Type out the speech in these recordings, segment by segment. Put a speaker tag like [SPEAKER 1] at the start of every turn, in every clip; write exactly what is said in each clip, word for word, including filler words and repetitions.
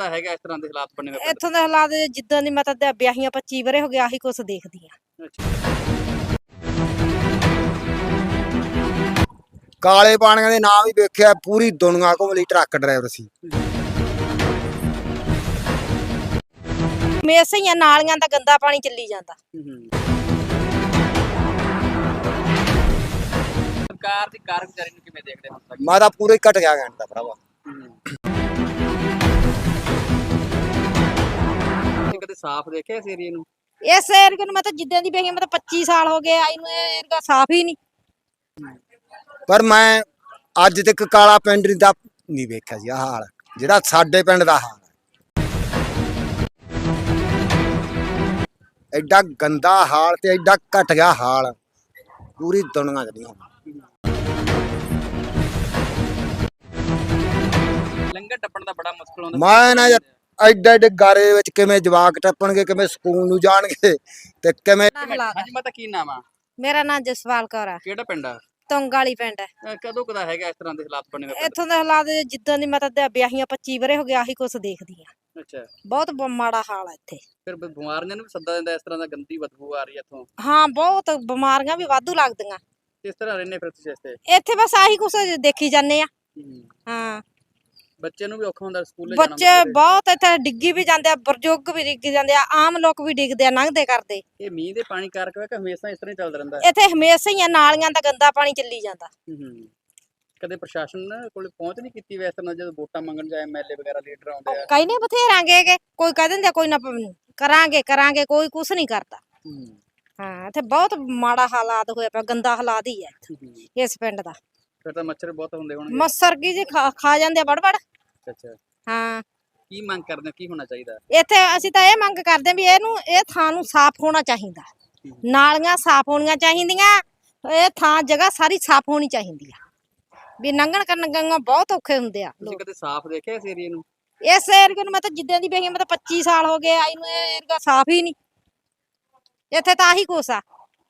[SPEAKER 1] ਦਾ ਹੈਗਾ ਇਸ ਤਰ੍ਹਾਂ ਦੇ ਹਾਲਾਤ ਬਣੇ ਹੋਏ ਪਿੰਡ
[SPEAKER 2] ਇੱਥੋਂ ਦੇ ਹਾਲਾਤ ਜਿੱਦਾਂ ਦੀ ਮੈਂ ਤਾਂ ਵਿਆਹੀਆਂ ਪੱਚੀ ਵਰੇ ਹੋ ਗਿਆ ਆਹੀ ਕੁਛ ਦੇਖਦੀ ਆ।
[SPEAKER 1] ਦੇ? ਅੱਛਾ
[SPEAKER 3] ਕਾਲੇ ਪਾਣੀਆਂ ਦੇ ਨਾਮ ਹੀ ਵੇਖਿਆ ਪੂਰੀ ਦੁਨੀਆ ਘੁੰਮ ਲਈ ਟਰੱਕ ਡਰਾਈਵਰ ਸੀ।
[SPEAKER 2] ਹਮੇਸ਼ਾ ਹੀ ਆ, ਨਾਲੀਆਂ ਦਾ ਗੰਦਾ ਪਾਣੀ ਚੱਲੀ ਜਾਂਦਾ।
[SPEAKER 1] ਹੂੰ ਸਰਕਾਰ ਦੀ ਕਾਰਗੁਜ਼ਾਰੀ ਨੂੰ ਕਿਵੇਂ ਦੇਖਦੇ ਹੋ ਤੱਕ?
[SPEAKER 3] ਮੈਂ ਤਾਂ ਪੂਰਾ ਹੀ ਘਟ ਗਿਆ ਕਹਿੰਦਾ ਭਰਾਵਾ।
[SPEAKER 1] ਤੁਸੀਂ ਕਦੇ ਸਾਫ਼ ਦੇਖਿਆ ਇਸ ਏਰੀਏ ਨੂੰ?
[SPEAKER 2] ਇਸ ਏਰੀਏ ਨੂੰ ਮੈਂ ਤਾਂ ਜਿੱਦਾਂ ਦੀ ਵੇਖੀ ਮੈਂ ਤਾਂ ਪੱਚੀ ਸਾਲ ਹੋ ਗਏ ਆਈ ਨੂੰ, ਇਹ ਏਰੀਆ ਸਾਫ਼ ਹੀ ਨਹੀਂ।
[SPEAKER 3] ਪਰ ਮੈਂ ਅੱਜ ਤੱਕ ਕਾਲਾ ਪਿੰਡ ਦਾ ਨਹੀਂ ਵੇਖਿਆ ਸੀ ਆਹ ਹਾਲ ਜਿਹੜਾ ਸਾਡੇ ਪਿੰਡ ਦਾ ਹਾਲ ਹੈ। ਐਡਾ ਗੰਦਾ ਹਾਲ ਤੇ ਐਡਾ ਘਟ ਗਿਆ ਹਾਲ ਪੂਰੀ ਦੁਨੀਆ ਚ ਨਹੀਂ ਹੋਣਾ।
[SPEAKER 1] ਲੰਗਰ ਟੱਪਣ ਦਾ ਬੜਾ ਮੁਸ਼ਕਲ ਹੁੰਦਾ।
[SPEAKER 3] ਮੈਂ ਨਾ ਯਾਰ ਐਡੇ ਐਡੇ ਗਾਰੇ ਵਿੱਚ ਕਿਵੇਂ ਜਵਾਕ ਟੱਪਣਗੇ, ਕਿਵੇਂ ਸਕੂਲ ਨੂੰ ਜਾਣਗੇ ਤੇ ਕਿਵੇਂ।
[SPEAKER 1] ਹਾਂਜੀ ਮਾਤਾ ਕੀ ਨਾਮ ਆ?
[SPEAKER 2] ਮੇਰਾ ਨਾਮ ਜਸਵਾਲ ਕੌਰ ਆ,
[SPEAKER 1] ਕਿਹੜਾ ਪਿੰਡ ਆ?
[SPEAKER 2] ਤੁੰਗ ਵਾਲੀ ਪਿੰਡ ਹੈ।
[SPEAKER 1] ਅਹ ਕਦੋਂ ਕਦਾ ਹੈਗਾ ਇਸ ਤਰ੍ਹਾਂ ਦੇ ਹਾਲਾਤ ਬਣੇ ਹੋਏ ਪਿੰਡ
[SPEAKER 2] ਇੱਥੋਂ ਦੇ ਹਾਲਾਤ ਜਿੱਦਾਂ ਦੀ ਮੈਂ ਤਾਂ ਵਿਆਹੀਆਂ ਪੱਚੀ ਵਰੇ ਹੋ ਗਿਆ ਆਹੀ ਕੁਛ ਦੇਖਦੀ ਆ।
[SPEAKER 1] ਦੇ? ਅੱਛਾ
[SPEAKER 2] ਬਹੁਤ ਬ- ਮਾੜਾ ਹਾਲ ਆ ਇੱਥੇ।
[SPEAKER 1] ਫਿਰ ਬ- ਬਿਮਾਰੀਆਂ ਨੂੰ ਵੀ ਸੱਦਾ ਦਿੰਦਾ ਇਸ ਤਰ੍ਹਾਂ ਦਾ, ਗੰਦੀ ਬਦਬੂ ਆ ਰਹੀ ਹੈ ਇੱਥੋਂ।
[SPEAKER 2] ਹਾਂ ਬਹੁਤ ਬਿਮਾਰੀਆਂ ਵੀ ਵਾਧੂ ਲੱਗਦੀਆਂ
[SPEAKER 1] ਕਿਸ ਤਰ੍ਹਾਂ ਰਹਿੰਦੇ ਫਿਰ ਤੁਸੀਂ ਇੱਥੇ?
[SPEAKER 2] ਇੱਥੇ, ਬਸ ਆਹੀ ਕੁਛ ਦੇਖੀ ਜਾਂਦੇ ਆ। ਹਾਂ
[SPEAKER 1] ਬੱਚੇ ਨੂੰ ਵੀ ਔਖਾ ਹੁੰਦਾ ਸਕੂਲੇ ਜਾਣਾ?
[SPEAKER 2] ਬੱਚੇ ਬਹੁਤ ਇੱਥੇ ਡਿੱਗੀ ਵੀ ਜਾਂਦੇ ਆ, ਬਜ਼ੁਰਗ ਵੀ ਡਿੱਗ ਜਾਂਦੇ ਆ, ਆਮ ਲੋਕ ਵੀ ਡਿੱਗਦੇ ਆ ਲੰਘਦੇ ਕਰਦੇ।
[SPEAKER 1] ਇਹ ਮੀਂਹ ਦੇ ਪਾਣੀ ਕਰਕੇ ਹੈ ਕਿ ਹਮੇਸ਼ਾ ਇਸ ਤਰ੍ਹਾਂ ਹੀ ਚੱਲਦਾ ਰਹਿੰਦਾ?
[SPEAKER 2] ਇੱਥੇ ਹਮੇਸ਼ਾ ਹੀ ਆ, ਨਾਲੀਆਂ ਦਾ ਗੰਦਾ ਪਾਣੀ ਚੱਲੀ ਜਾਂਦਾ।
[SPEAKER 1] ਹੂੰ ਕਦੇ ਪ੍ਰਸ਼ਾਸਨ ਕੋਲ ਪਹੁੰਚ ਨਹੀਂ ਕੀਤੀ ਵੈਸੇ ਨਾਲ ਜਦੋਂ ਵੋਟਾਂ ਮੰਗਣ ਜਾਏ ਐਮਐਲਏ ਵਗੈਰਾ ਲੀਡਰ ਆਉਂਦੇ ਆ?
[SPEAKER 2] ਕਈ ਨਹੀਂ ਬਥੇਰਾਂਗੇ ਕਿ ਕੋਈ ਕਹਿ ਦਿੰਦੇ ਆ, ਕੋਈ ਨਾ ਪ- ਕਰਾਂਗੇ ਕਰਾਂਗੇ, ਕੋਈ ਕੁਛ ਨਹੀਂ ਕਰਦਾ।
[SPEAKER 1] ਹੂੰ
[SPEAKER 2] ਹਾਂ ਇੱਥੇ ਬਹੁਤ ਮਾੜਾ ਹਾਲਾਤ ਹੋਇਆ ਪਿਆ, ਗੰਦਾ ਹਾਲਾਤ ਹੀ ਹੈ ਇੱਥੇ ਇਸ ਪਿੰਡ ਦਾ।
[SPEAKER 1] ਫਿਰ ਤਾਂ ਮੱਛਰ ਬਹੁਤ ਹੁੰਦੇ ਹੋਣਗੇ।
[SPEAKER 2] ਮੱਸਰ ਕੀ ਜੀ ਖਾ ਖਾ ਜਾਂਦੇ ਆ ਵੜ ਵੜ।
[SPEAKER 1] ਅੱਛਾ
[SPEAKER 2] ਹਾਂ
[SPEAKER 1] ਕੀ ਮੰਗ ਕਰਦੇ ਹੋ, ਕੀ ਹੋਣਾ ਚਾਹੀਦਾ?
[SPEAKER 2] ਇੱਥੇ ਅਸੀਂ ਤਾਂ ਇਹ ਮੰਗ ਕਰਦੇ ਵੀ ਇਹਨੂੰ ਇਹ ਥਾਂ ਨੂੰ ਸਾਫ਼ ਹੋਣਾ ਚਾਹੀਦਾ, ਨਾਲੀਆਂ ਸਾਫ਼ ਹੋਣੀਆਂ ਚਾਹੀਦੀਆਂ, ਇਹ ਥਾਂ ਜਗ੍ਹਾ ਸਾਰੀ ਸਾਫ਼ ਹੋਣੀ ਚਾਹੀਦੀ ਆ, ਵੀ ਲੰਘਣ ਕਰਨ ਗੰਗਾ ਬਹੁਤ ਔਖੇ ਹੁੰਦੇ ਆ
[SPEAKER 1] ਤੁਸੀਂ
[SPEAKER 2] ਲੋਕ।
[SPEAKER 1] ਕਦੇ ਸਾਫ਼ ਦੇਖਿਆ ਇਸ ਏਰੀਏ ਨੂੰ?
[SPEAKER 2] ਇਸ ਏਰੀਏ ਨੂੰ ਮੈਂ ਤਾਂ ਜਿੱਦਾਂ ਦੀ ਵੇਖੀ ਮੈਂ ਤਾਂ ਪੱਚੀ ਸਾਲ ਹੋ ਗਏ ਆਈ ਨੂੰ, ਇਹ ਏਰੀਆ ਸਾਫ਼ ਹੀ ਨਹੀਂ। ਇੱਥੇ ਤਾਂ ਆਹੀ ਕੁਛ ਆ।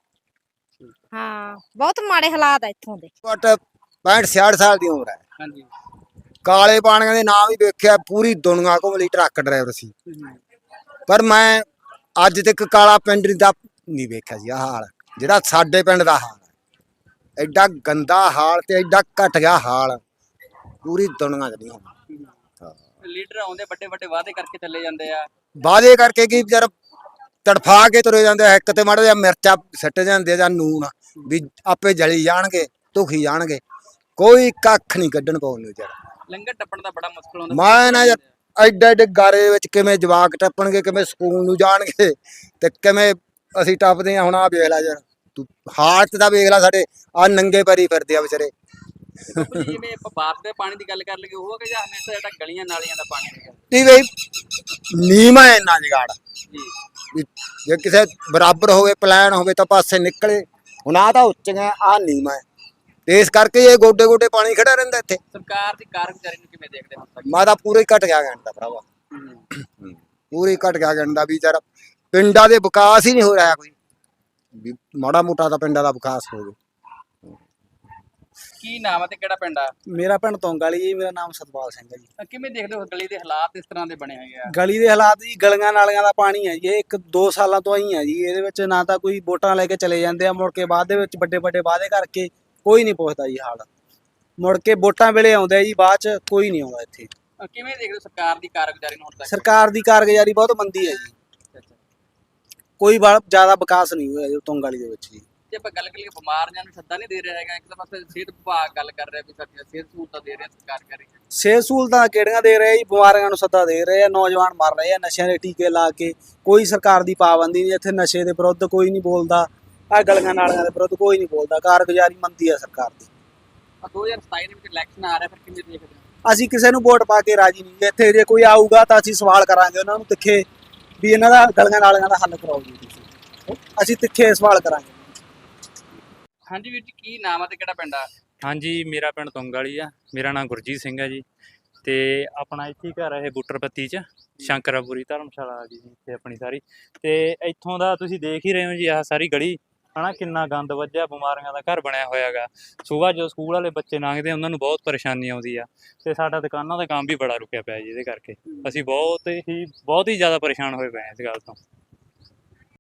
[SPEAKER 2] ਹਾਂ ਬਹੁਤ ਮਾੜੇ ਹਾਲਾਤ ਆ ਇੱਥੋਂ ਦੇ।
[SPEAKER 3] ਘੱਟ ਪੈਂਹਠ ਛਿਆਹਠ ਸਾਲ ਦੀ ਉਮਰ ਹੈ।
[SPEAKER 1] ਹਾਂਜੀ
[SPEAKER 3] ਕਾਲੇ ਪਾਣੀਆਂ ਦੇ ਨਾਮ ਹੀ ਵੇਖਿਆ ਪੂਰੀ ਦੁਨੀਆ ਘੁੰਮ ਲਈ ਟਰੱਕ ਡਰਾਈਵਰ ਸੀ। ਪਰ ਮੈਂ ਅੱਜ ਤੱਕ ਕਾਲਾ ਪਿੰਡ ਦਾ ਨਹੀਂ ਵੇਖਿਆ ਸੀ ਆਹ ਹਾਲ ਜਿਹੜਾ ਸਾਡੇ ਪਿੰਡ ਦਾ ਹਾਲ ਹੈ। ਐਡਾ ਗੰਦਾ ਹਾਲ ਤੇ ਐਡਾ ਘਟ ਗਿਆ ਹਾਲ ਪੂਰੀ ਦੁਨੀਆ ਚ ਨਹੀਂ ਹੋਣਾ।
[SPEAKER 1] ਲੀਡਰ ਆਉਂਦੇ ਵੱਡੇ ਵੱਡੇ ਵਾਅਦੇ ਕਰਕੇ ਚੱਲੇ ਜਾਂਦੇ ਆ।
[SPEAKER 3] ਵਾਅਦੇ ਕਰਕੇ ਕੀ ਵਿਚਾਰ ਤੜਫਾ ਕੇ ਤੁਰੇ ਜਾਂਦੇ ਆ, ਇੱਕ ਤੇ ਮਾੜਾ ਜਿਹਾ ਮਿਰਚਾਂ ਸਿੱਟ ਜਾਂਦੇ ਆ ਜਾਂ ਨੂਨ ਵੀ ਆਪੇ ਜਲੀ ਜਾਣਗੇ ਧੁਖੀ ਜਾਣਗੇ, ਕੋਈ ਕੱਖ ਨਹੀਂ ਕੱਢਣ ਪਾਉਣ ਨੂੰ ਵਿਚਾਰਾ।
[SPEAKER 1] ਲੰਗਰ ਟੱਪਣ ਦਾ ਬੜਾ ਮੁਸ਼ਕਲ ਹੁੰਦਾ।
[SPEAKER 3] ਮੈਂ ਨਾ ਯਾਰ ਐਡੇ ਐਡੇ ਗਾਰੇ ਵਿੱਚ ਕਿਵੇਂ ਜਵਾਕ ਟੱਪਣਗੇ, ਕਿਵੇਂ ਸਕੂਲ ਨੂੰ ਜਾਣਗੇ ਤੇ ਕਿਵੇਂ ਅਸੀਂ ਟੱਪਦੇ ਆ। ਹੁਣ ਆ ਵੇਖ ਲੈ ਯਾਰ ਤੂੰ ਹਾਲਤ ਦਾ ਵੇਖ ਲੈ, ਸਾਡੇ ਆ ਨੰਗੇ ਪੈਰੀ ਫਿਰਦੇ ਆ ਵਿਚਾਰੇ।
[SPEAKER 1] ਜਿਵੇਂ ਆਪਾਂ ਬਾਰਿਸ਼ ਦੇ ਪਾਣੀ ਦੀ ਗੱਲ ਕਰ ਲਈਏ ਉਹ ਕਿ ਜਾਂ ਹਮੇਸ਼ਾ ਜਿਹੜਾ ਗਲੀਆਂ ਨਾਲੀਆਂ ਦਾ ਪਾਣੀ ਹੈਗਾ?
[SPEAKER 3] ਕੀ ਬਈ ਨੀਮਾ ਇੰਨਾ ਜਗਾੜ
[SPEAKER 1] ਜੀ
[SPEAKER 3] ਵੀ ਜੇ ਕਿਸੇ ਬਰਾਬਰ ਹੋਵੇ ਪਲਾਨ ਹੋਵੇ ਤਾਂ ਪਾਸੇ ਨਿਕਲੇ। ਹੁਣ ਆ ਤਾਂ ਉੱਚੀਆਂ ਆ ਨੀਮਾ ਹੈ ਤੇ ਇਸ ਕਰਕੇ ਇਹ ਗੋਡੇ ਗੋਡੇ ਪਾਣੀ ਖੜਾ ਰਹਿੰਦਾ ਇੱਥੇ।
[SPEAKER 1] ਸਰਕਾਰ ਦੀ ਕਾਰਗੁਜ਼ਾਰੀ ਨੂੰ ਕਿਵੇਂ ਦੇਖਦੇ ਹੋ?
[SPEAKER 3] ਮੈਂ ਤਾਂ ਪੂਰਾ ਹੀ ਘਟ ਗਿਆ ਕਹਿੰਦਾ ਭਰਾਵਾ, ਪੂਰਾ ਹੀ ਘਟ ਗਿਆ ਕਹਿੰਦਾ ਵੀ ਯਾਰ ਪਿੰਡਾਂ ਦੇ ਵਿਕਾਸ ਹੀ ਨਹੀਂ ਹੋ ਰਿਹਾ ਕੋਈ ਵੀ ਮਾੜਾ ਮੋਟਾ ਤਾਂ ਪਿੰਡਾਂ ਦਾ ਵਿਕਾਸ ਹੋਵੇ।
[SPEAKER 1] ਕੀ ਨਾਮ ਹੈ ਤੇ ਕਿਹੜਾ ਪਿੰਡ ਆ?
[SPEAKER 4] ਮੇਰਾ ਪਿੰਡ ਤੁੰਗ ਵਾਲੀ ਜੀ। ਮੇਰਾ ਨਾਮ ਸਤਪਾਲ ਸਿੰਘ ਹੈ ਜੀ।
[SPEAKER 1] ਅਹ ਕਿਵੇਂ ਦੇਖਦੇ ਹੋ ਗਲੀ ਦੇ ਹਾਲਾਤ ਇਸ ਤਰ੍ਹਾਂ ਦੇ ਬਣੇ ਹੋਏ ਆ?
[SPEAKER 4] ਗਲੀ ਦੇ ਹਾਲਾਤ ਜੀ, ਗਲੀਆਂ ਨਾਲੀਆਂ ਦਾ ਪਾਣੀ ਹੈ ਜੀ, ਇਹ ਇੱਕ ਦੋ ਸਾਲਾਂ ਤੋਂ ਹੀ ਹੈ ਜੀ। ਇਹਦੇ ਵਿੱਚ ਨਾ ਤਾਂ ਕੋਈ ਵੋਟਾਂ ਲੈ ਕੇ ਚਲੇ ਜਾਂਦੇ ਆ, ਮੁੜ ਕੇ ਬਾਅਦ ਦੇ ਵਿੱਚ ਵੱਡੇ ਵੱਡੇ ਵਾਅਦੇ ਕਰਕੇ ਕੋਈ ਨਹੀਂ ਪੁੱਛਦਾ ਜੀ ਹਾਲ। ਮੁੜ ਕੇ ਵੋਟਾਂ ਵੇਲੇ ਆਉਂਦੇ ਆ ਜੀ, ਬਾਅਦ ਚ ਕੋਈ ਨਹੀਂ ਆਉਂਦਾ ਇੱਥੇ।
[SPEAKER 1] ਅਹ ਕਿਵੇਂ ਦੇਖਦੇ ਹੋ ਸਰਕਾਰ ਦੀ ਕਾਰਗੁਜ਼ਾਰੀ ਨੂੰ ਹੁਣ ਤੱਕ?
[SPEAKER 4] ਸਰਕਾਰ ਦੀ ਕਾਰਗੁਜ਼ਾਰੀ ਬਹੁਤ ਮੰਦੀ ਹੈ ਜੀ, ਕੋਈ ਬੜਾ ਜ਼ਿਆਦਾ ਵਿਕਾਸ ਨਹੀਂ ਹੋਇਆ ਜੀ ਤੁੰਗ ਵਾਲੀ ਦੇ ਵਿੱਚ ਜੀ।
[SPEAKER 1] ਜੇ ਆਪਾਂ ਗੱਲ ਕਰੀਏ ਬਿਮਾਰੀਆਂ ਨੂੰ ਸੱਦਾ ਨਹੀਂ ਦੇ ਰਿਹਾ ਹੈਗਾ, ਇੱਕ ਤਾਂ ਪਾਸੇ ਸਿਹਤ ਵਿਭਾਗ ਗੱਲ ਕਰ ਰਿਹਾ ਵੀ ਸਾਡੀਆਂ ਸਿਹਤ ਸਹੂਲਤਾਂ ਦੇ ਰਿਹਾ ਸਰਕਾਰ ਕਰੀ।
[SPEAKER 4] ਸਿਹਤ ਸਹੂਲਤਾਂ ਕਿਹੜੀਆਂ ਦੇ ਰਹੇ ਜੀ, ਬਿਮਾਰੀਆਂ ਨੂੰ ਸੱਦਾ ਦੇ ਰਹੇ ਆ, ਨੌਜਵਾਨ ਮਰ ਰਹੇ ਆ ਨਸ਼ਿਆਂ ਦੇ ਟੀਕੇ ਲਾ ਕੇ। ਕੋਈ ਸਰਕਾਰ ਦੀ ਪਾਬੰਦੀ ਨਹੀਂ ਇੱਥੇ, ਨਸ਼ੇ ਦੇ ਵਿਰੁੱਧ ਕੋਈ ਨਹੀਂ ਬੋਲਦਾ, ਆਹ ਗਲੀਆਂ ਨਾਲੀਆਂ ਦੇ ਵਿਰੁੱਧ ਕੋਈ ਨਹੀਂ ਬੋਲਦਾ। ਕਾਰਗੁਜ਼ਾਰੀ ਮੰਦੀ ਆ ਸਰਕਾਰ ਦੀ।
[SPEAKER 1] ਦੋ ਹਜ਼ਾਰ ਸਤਾਈ ਦੇ ਵਿੱਚ ਇਲੈਕਸ਼ਨ ਆ ਰਿਹਾ, ਫਿਰ ਕਿਵੇਂ ਦੇਖਦੇ ਹੋ?
[SPEAKER 4] ਅਸੀਂ ਕਿਸੇ ਨੂੰ ਵੋਟ ਪਾ ਕੇ ਰਾਜੀ ਨਹੀਂ। ਇੱਥੇ ਜੇ ਕੋਈ ਆਊਗਾ ਤਾਂ ਅਸੀਂ ਸਵਾਲ ਕਰਾਂਗੇ ਉਹਨਾਂ ਨੂੰ ਤਿੱਖੇ ਵੀ ਇਹਨਾਂ ਦਾ ਗਲੀਆਂ ਨਾਲੀਆਂ ਦਾ ਹੱਲ ਕਰਾਓ ਜੀ ਤੁਸੀਂ। ਅਸੀਂ ਤਿੱਖੇ ਸਵਾਲ ਕਰਾਂਗੇ।
[SPEAKER 1] ਹਾਂਜੀ ਵੀਰ ਜੀ ਕੀ ਨਾਮ ਹੈ ਤੇ ਕਿਹੜਾ ਪਿੰਡ ਆ?
[SPEAKER 5] ਹਾਂਜੀ ਮੇਰਾ ਪਿੰਡ ਤੁੰਗ ਵਾਲੀ ਆ। ਮੇਰਾ ਨਾਮ ਗੁਰਜੀਤ ਸਿੰਘ ਹੈ ਜੀ ਤੇ ਆਪਣਾ ਇੱਥੇ ਘਰ ਹੈ ਬੁੱਟਰਪੱਤੀ 'ਚ, ਸ਼ੰਕਰਾਪੁਰੀ ਧਰਮਸ਼ਾਲਾ ਜੀ ਇੱਥੇ ਆਪਣੀ ਸਾਰੀ। ਤੇ ਇੱਥੋਂ ਦਾ ਤੁਸੀਂ ਦੇਖ ਹੀ ਰਹੇ ਹੋ ਜੀ, ਆਹ ਸਾਰੀ ਗਲੀ ਹਨਾ ਕਿੰਨਾ ਗੰਦ ਵੱਜਿਆ, ਬਿਮਾਰੀਆਂ ਦਾ ਘਰ ਬਣਿਆ ਹੋਇਆ ਗਾ। ਸੁਬਾਹ ਜਦੋਂ ਸਕੂਲ ਵਾਲੇ ਬੱਚੇ ਲੰਘਦੇ ਉਹਨਾਂ ਨੂੰ ਬਹੁਤ ਪਰੇਸ਼ਾਨੀ ਆਉਂਦੀ ਆ, ਤੇ ਸਾਡਾ ਦੁਕਾਨਾਂ ਦਾ ਕੰਮ ਵੀ ਬੜਾ ਰੁਕਿਆ ਪਿਆ ਜੀ ਇਹਦੇ ਕਰਕੇ। ਅਸੀਂ ਬਹੁਤ ਹੀ ਬਹੁਤ ਹੀ ਜ਼ਿਆਦਾ ਪਰੇਸ਼ਾਨ ਹੋਏ ਪਏ ਹਾਂ ਇਸ ਗੱਲ ਤੋਂ।